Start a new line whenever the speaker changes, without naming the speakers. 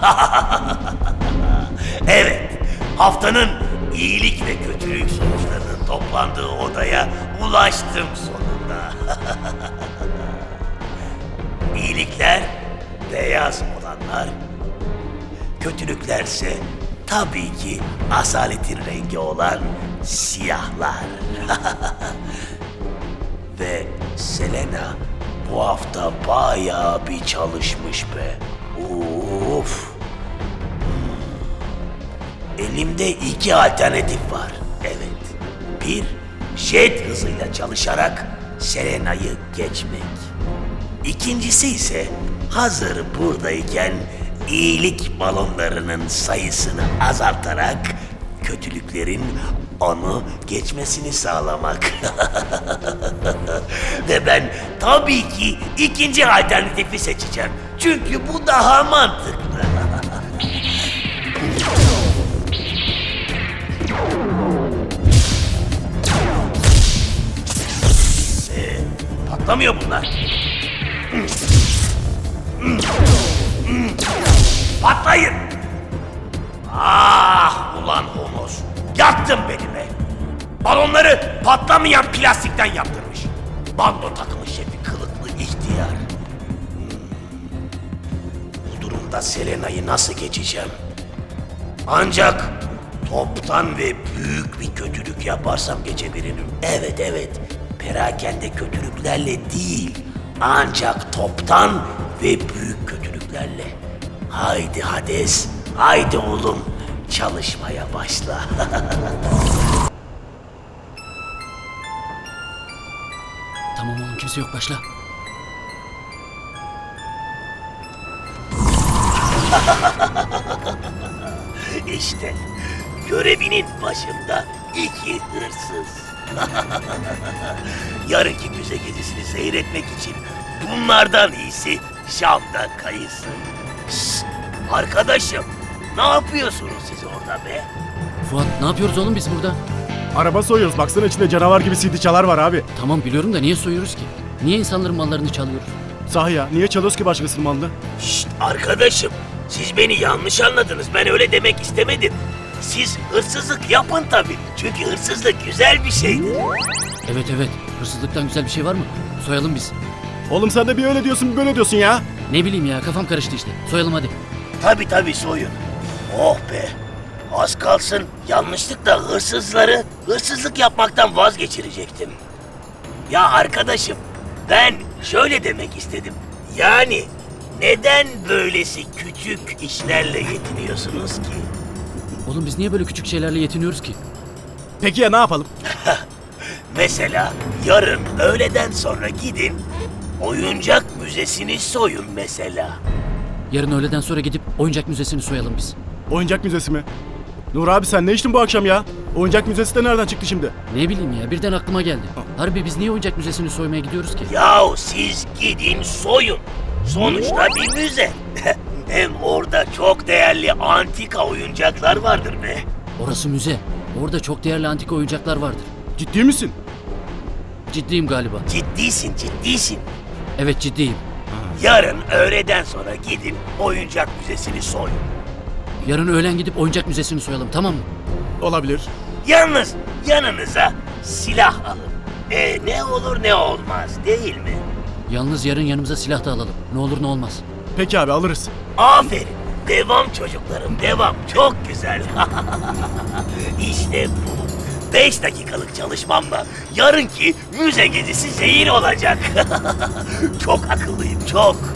Evet, haftanın iyilik ve kötülük sonuçlarının toplandığı odaya ulaştım sonunda. İyilikler beyaz olanlar, kötülüklerse tabii ki asaletin rengi olan siyahlar. Ve Selena bu hafta bayağı bir çalışmış be. Of. Elimde iki alternatif var. Evet. Bir, jet hızıyla çalışarak Selena'yı geçmek. İkincisi ise hazır buradayken iyilik balonlarının sayısını azaltarak kötülüklerin onu geçmesini sağlamak. Ve ben tabii ki ikinci alternatifi seçeceğim. Çünkü bu daha mantıklı. Patlamıyor bunlar. Patlayın! Ah ulan Honos! Yaktın beni be! Balonları patlamayan plastikten yaptırmış. Bando takımı şefi kılıklı ihtiyar. Bu durumda Selena'yı nasıl geçeceğim? Ancak toptan ve büyük bir kötülük yaparsam geçebilirim. Evet. Perakende kötülüklerle değil. Ancak toptan ve büyük kötülüklerle. Haydi Hades, haydi oğlum. Çalışmaya başla.
Tamam oğlum, kimse yok, başla.
İşte görevinin başında iki hırsız. Yarınki müze gezisini seyretmek için bunlardan iyisi Şam'da kayısı. Şşt, arkadaşım, ne yapıyorsunuz siz orada be?
Fuat, ne yapıyoruz oğlum biz burada?
Araba soyuyoruz. Baksana içinde canavar gibi CD çalar var abi.
Tamam biliyorum da niye soyuyoruz ki? Niye insanların mallarını çalıyoruz?
Sahi ya. Niye çalıyoruz ki başkasının malını?
Şşt, arkadaşım, siz beni yanlış anladınız. Ben öyle demek istemedim. Siz hırsızlık yapın tabii. Çünkü hırsızlık güzel bir şeydir.
Evet, hırsızlıktan güzel bir şey var mı? Soyalım biz.
Oğlum sen de bir öyle diyorsun bir böyle diyorsun ya.
Ne bileyim ya, kafam karıştı işte. Soyalım hadi.
Tabii soyun. Oh be. Az kalsın yanlışlıkla hırsızlık yapmaktan vazgeçirecektim. Ya arkadaşım, ben şöyle demek istedim. Yani neden böylesi küçük işlerle yetiniyorsunuz ki?
Oğlum biz niye böyle küçük şeylerle yetiniyoruz ki?
Peki ya ne yapalım?
Mesela yarın öğleden sonra gidin oyuncak müzesini soyun mesela.
Yarın öğleden sonra gidip oyuncak müzesini soyalım biz.
Oyuncak müzesi mi? Nur abi sen ne içtin bu akşam ya? Oyuncak müzesi de nereden çıktı şimdi?
Ne bileyim ya, birden aklıma geldi. Harbi biz niye oyuncak müzesini soymaya gidiyoruz ki?
Yahu siz gidin soyun. Sonuçta bir müze. Hem orada çok değerli antika oyuncaklar vardır be.
Orası müze. Orada çok değerli antika oyuncaklar vardır.
Ciddi misin?
Ciddiyim galiba.
Ciddisin.
Evet, ciddiyim.
Yarın öğleden sonra gidin oyuncak müzesini soyun.
Yarın öğlen gidip oyuncak müzesini soyalım, tamam mı?
Olabilir.
Yalnız yanınıza silah alın. Ne olur ne olmaz değil mi?
Yalnız yarın yanımıza silah da alalım. Ne olur ne olmaz.
Peki abi alırız.
Aferin. Devam çocuklarım, devam. Çok güzel. İşte bu. 5 dakikalık çalışmamla yarınki müze gezisi zehir olacak. Çok akıllıyım, çok.